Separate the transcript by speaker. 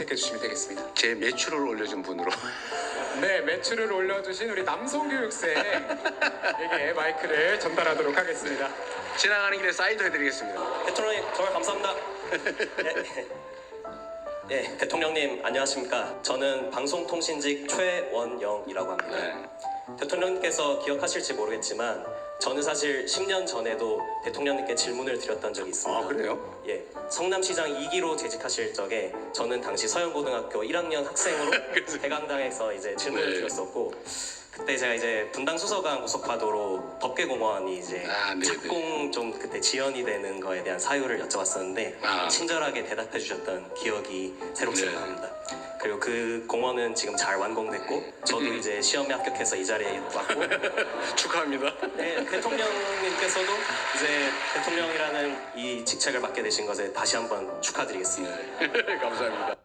Speaker 1: 해주시면 되겠습니다.
Speaker 2: 제 매출을 올려준 분으로.
Speaker 1: 네, 매출을 올려주신 우리 남성교육생에게 마이크를 전달하도록 하겠습니다.
Speaker 2: 지나가는 길에 사인도 해드리겠습니다.
Speaker 3: 대통령님 정말 감사합니다. 네, 대통령님 안녕하십니까. 저는 방송통신직 최원영이라고 합니다.
Speaker 2: 네.
Speaker 3: 대통령님께서 기억하실지 모르겠지만 저는 사실 10년 전에도 대통령님께 질문을 드렸던 적이 있습니다.
Speaker 2: 아, 그래요?
Speaker 3: 예, 성남시장 2기로 재직하실 적에 저는 당시 서영고등학교 1학년 학생으로 대강당에서 이제 질문을
Speaker 2: 네.
Speaker 3: 드렸었고, 그때 제가 이제 분당 수서강 고속화도로 덕계공원이 이제
Speaker 2: 네네.
Speaker 3: 착공 좀 그때 지연이 되는 거에 대한 사유를 여쭤봤었는데 친절하게 대답해 주셨던 기억이 새록새록
Speaker 2: 네.
Speaker 3: 납니다. 그리고 그 공원은 지금 잘 완공됐고 저도 이제 시험에 합격해서 이 자리에 왔고
Speaker 2: 축하합니다.
Speaker 3: 네, 대통령님께서도 이제 대통령이라는 이 직책을 맡게 되신 것에 다시 한번 축하드리겠습니다.
Speaker 2: 감사합니다.